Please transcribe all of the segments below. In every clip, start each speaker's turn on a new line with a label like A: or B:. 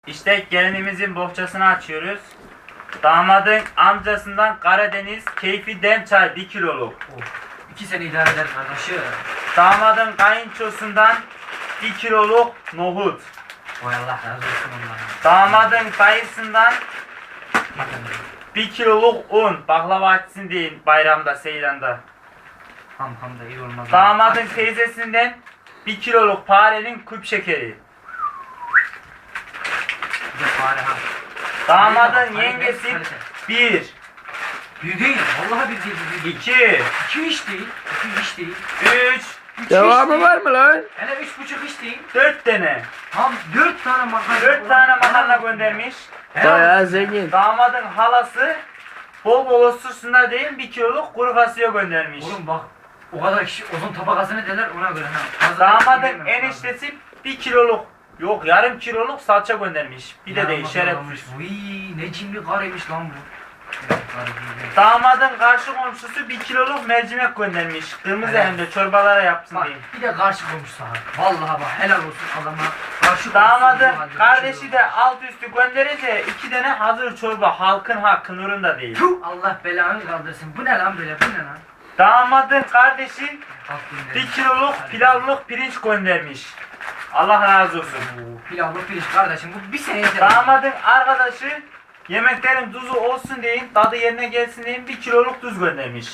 A: İşte gelinimizin bohçasını açıyoruz. Damadın amcasından Karadeniz keyfi dem çay 1 kiloluk.
B: Of. 2 sene idare eder kardeşim.
A: Damadın kayınçosundan 1 kiloluk nohut.
B: Vay Allah razı olsun ondan.
A: Damadın dayısından 1 kiloluk un. Baklava açsın deyin bayramda, seyranda.
B: Ham da iyi olmaz.
A: Damadın teyzesinden 1 kiloluk farenin küp şekeri.
B: Bir de fare ha.
A: Damadın yengesi 1,
B: Bir değil. Vallahi bir değil. Bir değil.
A: 2,
B: 2 iş değil. 2 iş değil.
A: 3,
B: 3
C: Devamı var mı lan?
B: Hele 3,5 iş değil.
A: 4 tane.
B: Tam 4 tane makarna.
A: 4 tane makarna göndermiş.
C: Bayağı zengin.
A: Damadın halası bol bol osursunlar deyin 1 kiloluk kuru fasulye göndermiş.
B: Oğlum bak. O kadar kişi uzun tabakası ne derler ona göre ha. Fazla
A: Damadın
B: yemem lazım.
A: eniştesi 1 kiloluk, yok yarım kiloluk salça göndermiş. Bir de değil
B: Yaramaz
A: şerefsiz.
B: adammış. Uy ne cimri karıymış lan bu.
A: Damadın karşı komşusu 1 kiloluk mercimek göndermiş. Kırmızı
B: Evet.
A: hem de çorbalara yapsın
B: Bak
A: diye.
B: bir de karşı komşu sana. Vallahi bak helal olsun adama. Karşı
A: Damadın
B: komşu bu halde
A: kardeşi
B: bir
A: de alt üstü gönderince 2 tane hazır çorba halkın hakkı nurunda değil.
B: Tüh, Allah belanı kaldırsın. Bu ne lan böyle bu ne lan?
A: Damadın kardeşi
B: Halk günleri.
A: 1 kiloluk pilavlık pirinç göndermiş. Allah razı olsun.
B: Oo, pilavlı pirinç kardeşim bu bir sene yeter.
A: Damadın arkadaşı yemeklerin tuzu olsun deyin, tadı yerine gelsin deyin 1 kiloluk tuz göndermiş.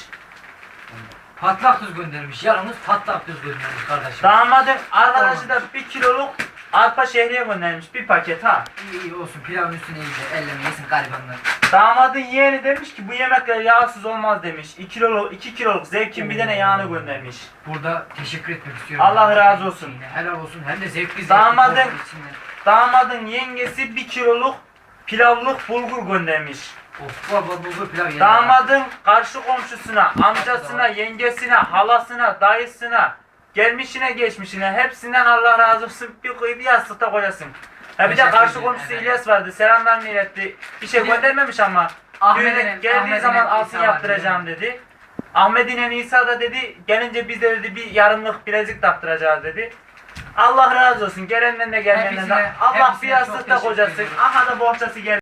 B: Patlak tuz göndermiş. Yalnız patlak tuz göndermiş kardeşim.
A: Damadın arkadaşı da 1 kiloluk arpa şehriye göndermiş, bir paket ha.
B: İyi olsun pilavın üstüne iyice elleme yesin garibanlar.
A: Damadın yeğeni demiş ki bu yemekler yağsız olmaz demiş. 2 kiloluk zevkin bir tane yağını göndermiş.
B: Burada teşekkür etmek istiyorum.
A: Allah razı olsun.
B: Helal olsun hem de zevkli
A: Damadın-
B: bol bol içinde.
A: Damadın yengesi 1 kiloluk pilavlık bulgur göndermiş.
B: Of baba bulgur pilav yedim.
A: Damadın karşı komşusuna, amcasına, yengesine, halasına, dayısına, gelmişine geçmişine hepsinden Allah razı olsun bir yastıkta koyasın. Ha bir de
B: Teşekkür
A: karşı
B: ederim,
A: komşusu
B: evet.
A: İlyas vardı. Selamlarını iletti. Bir şey
B: Bir de
A: göndermemiş ama.
B: Ahmet'in-
A: Geldiği
B: Ahmet'in
A: zaman
B: İsa
A: altın
B: var,
A: yaptıracağım dedi. Ahmet'in İsa da dedi gelince biz de dedi bir yarımlık bilezik taktıracağız dedi. Allah razı olsun. Gelenden de gelmenden de.
B: Hepsine-
A: Allah bir
B: hepsine çok
A: yastıkta
B: teşekkür
A: kocasın.
B: ediyorum.
A: Aha da bohçası geldi.